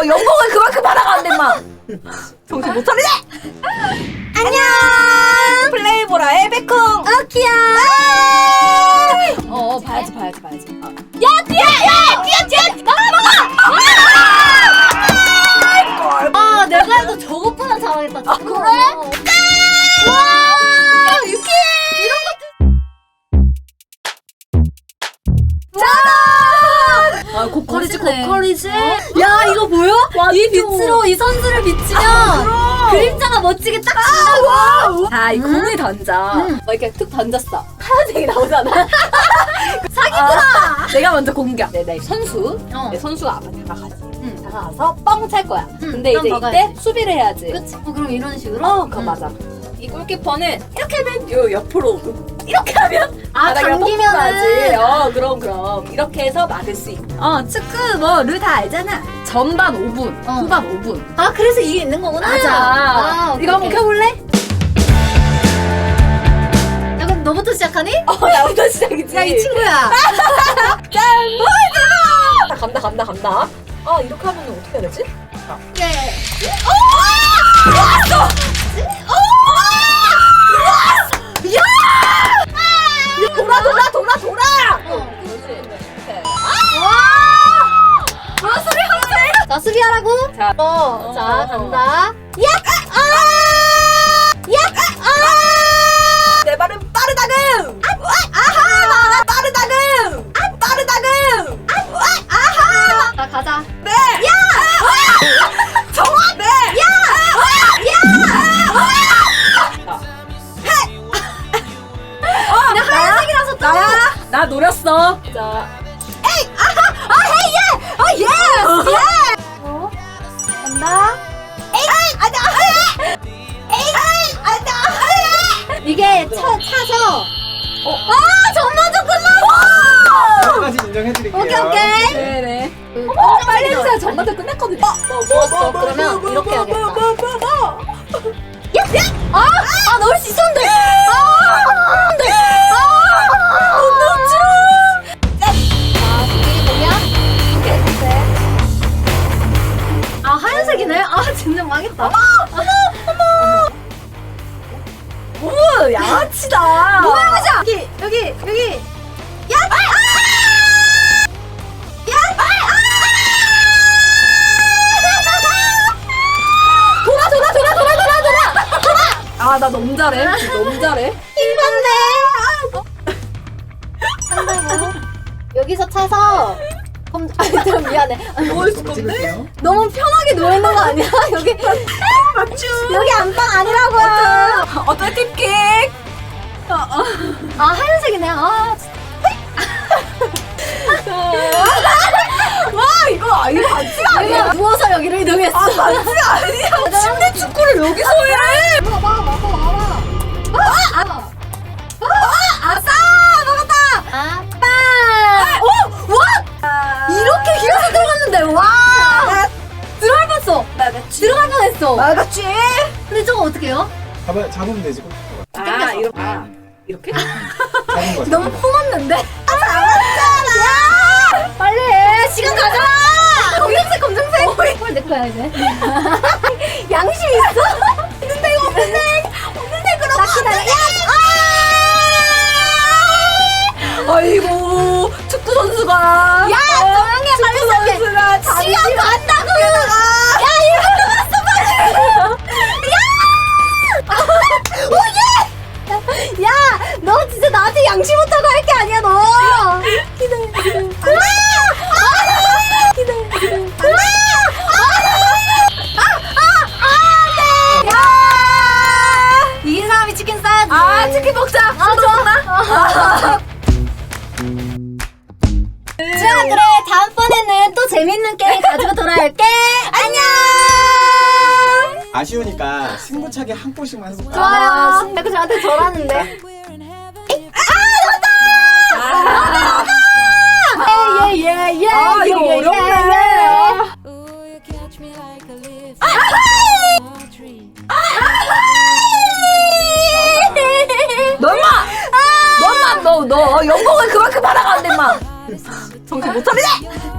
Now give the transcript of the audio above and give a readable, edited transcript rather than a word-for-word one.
연봉을 그만큼 받아가는데 마. 정신 못 차리네. 안녕. 플레이보라의 백콩. 오키야. 봐야지. 야 뛰어. 나가. 아 내가 해도 저것보다 잘하겠다. 아, 그래? 와 유키 이런 것도. 고퀄이지. 야 이거 보여? 이 빛으로 이 선수를 비치면 그림자가 멋지게 딱 진다고. 자, 이 공을 던져. 이렇게 툭 던졌어. 하얀색이 나오잖아. 사기구나. 내가 먼저 공격. 내 선수. 어. 내 선수가 앞에 다가가지. 다가가서 뻥 찰 거야. 근데 그럼 이제 막아야지. 이때 수비를 해야지. 그치? 그럼 이런 식으로? 그거 맞아. 이 골키퍼는 이렇게 하면 요 옆으로 오고 이렇게 하면 바닥이랑 당기면은. 뻥뻥하지. 그럼 이렇게 해서 막을 수 있고. 축구 뭐 룰 다 알잖아. 전반 5분, 후반 5분. 아 그래서 이게 있는 거구나. 맞아. 오케이, 이거 한번 오케이. 켜볼래? 야 그럼 너부터 시작하니? 나부터 시작이지. 야 이 친구야. 짠! 대박! 간다. 이렇게 하면 어떻게 해야 되지? 예. 돌아! 자 수비하라고. 자, 자 간다. 내 말은 빠르다금! 빠르다금! 자 가자. 정확! 그냥 하얀색이라서 또. 나 노렸어. 자, 간다. 이게 차서. 전반전 끝났어. 여기까지 인정해드릴게요. 오케이. 네네. 빨리 해주세요. 전반전 끝났거든요. 좋았어. 그러면 이렇게 해야겠다. 아 넣을 수 있었는데. 하얀색이네? 진짜 망했다. 어머, 양아치다. 뭐야, 여기. 나 너무 잘해. 힘받네. 한다고. 여기서 차서. 좀 미안해. 뭐 했을 건데? 너무 편하게 누워 있는 거 아니야? 여기. 여기 안방 아니라고요. 어떤 팁킥? 하얀색이네. 이거 반지가 아니야. 여기가 누워서 여기를 이동했어. 반지가 아니야. 침대 축구를 여기서 해. 와봐. 아싸! 먹었다! 아빠! 와! 이렇게 길어서 들어갔는데, 와! 들어갈 뻔했어. 들어갈 뻔했어. 맞았지? 근데 저거 어떻게 해요? 잡으면 되지. 이렇게? 잡은 거. 너무 품었는데? 잘했잖아! 빨리 해! 시간 가잖아! 검정색! 내 거야, 이제. 양심 있어? 없는데, 그럼. 나 기다려. 아이고, 축구 선수가. 야, 조용히 해, 빨리 시작해. 시간 간다고! 야, 1분 남았어, 빨리! 야! 너 진짜 나한테 양심 못하고 할 게 아니야, 너! 기다려. 이긴 사람이 치킨 싸야지. 치킨 먹자. 좋아. 자, 그래. 다음번에는 또 재밌는 게임 가지고 돌아올게. 안녕! 아쉬우니까 승부차기 한 골씩만 해볼까? 좋아요. 자꾸 저한테 절하는데. 예. 이거 어렵네. 너 연봉을 그만큼 받아가는데 마. 정신 못 차리네.